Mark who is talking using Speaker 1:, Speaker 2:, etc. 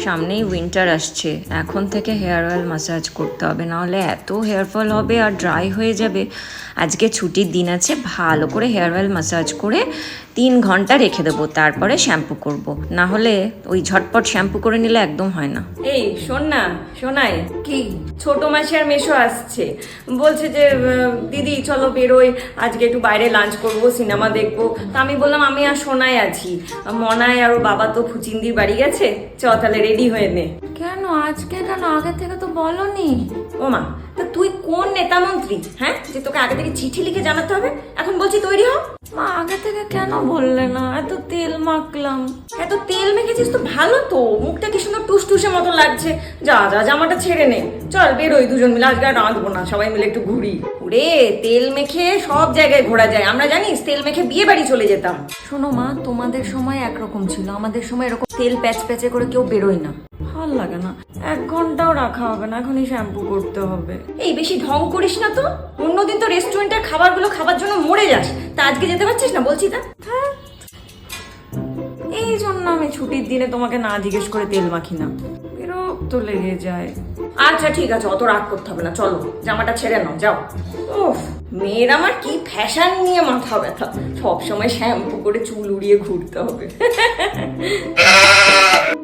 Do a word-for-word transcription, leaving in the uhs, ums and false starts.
Speaker 1: সামনেই উইন্টার আসছে, এখন থেকে হেয়ার অয়েল ম্যাসাজ করতে হবে, নাহলে এত হেয়ার ফল হবে আর ড্রাই হয়ে যাবে। আজকে ছুটির দিন আছে, ভালো করে হেয়ার অয়েল ম্যাসাজ করে তিন ঘন্টা রেখে দেবো, তারপরে শ্যাম্পু করব। না হলে ওই ঝটপট শ্যাম্পু করে নিলে একদম হয় না।
Speaker 2: এই শোন না, শোনাই কি, ছোট মাসি আর মেশো আসছে, বলছে যে দিদি চলো বেরোই, আজকে একটু বাইরে লাঞ্চ করব, সিনেমা দেখবো। তা আমি বললাম আমি আর সোনাই আছি, মনায় আর বাবা তো ফুচিন্দির বাড়ি গেছে, চ তাহলে রেডি হয়ে নে।
Speaker 1: কেন আজকে কেন? আগে থেকে তো বলনি।
Speaker 2: ও মা, তা তুই কোন নেতা মন্ত্রী হ্যাঁ, যে তোকে আগে থেকে চিঠি লিখে জানাতে হবে? এখন বলছি তৈরি হ।
Speaker 1: মা আগে থেকে কেন বললে না? এত তেল মাখলাম।
Speaker 2: এত তেল মেখেছিস তো ভালো তো, মুখটা কি সুন্দর টুসটুসে মতো লাগছে। যা যা জামাটা ছেড়ে নে, চল বেরোই দুজন মিলে, আজকে আর রাঁধবো না, সবাই মিলে একটু ঘুরি। ওরে তেল মেখে সব জায়গায় ঘোরা যায়, আমরা জানিস তেল মেখে বিয়ে বাড়ি চলে যেতাম।
Speaker 1: শোনো মা, তোমাদের সময় একরকম ছিল, আমাদের সময় এরকম তেল প্যাচ প্যাচে করে কেউ বেরোয় না। ভাল লাগে না, এক ঘন্টাও রাখা হবে না, এখনই শ্যাম্পু করতে হবে।
Speaker 2: এই বেশি ঢং করিস না তো, অন্যদিন তো রেস্টুরেন্টের খাবারগুলো খাবার জন্য মরে যাস, তা আজকে যেতে পারছিস না বলছি তা।
Speaker 1: এই জন্য আমি ছুটির দিনে তোমাকে না জিজ্ঞেস করে তেল মাখি না, বিরক্ত লেগে যায়।
Speaker 2: আচ্ছা ঠিক আছে, অত রাগ করতে হবে না, চলো জামাটা ছেড়ে নাও, যাও। ওফ, মেয়ের আমার কি ফ্যাশন নিয়ে মাথা ব্যথা, সবসময় শ্যাম্পু করে চুল উড়িয়ে ঘুরতে হবে।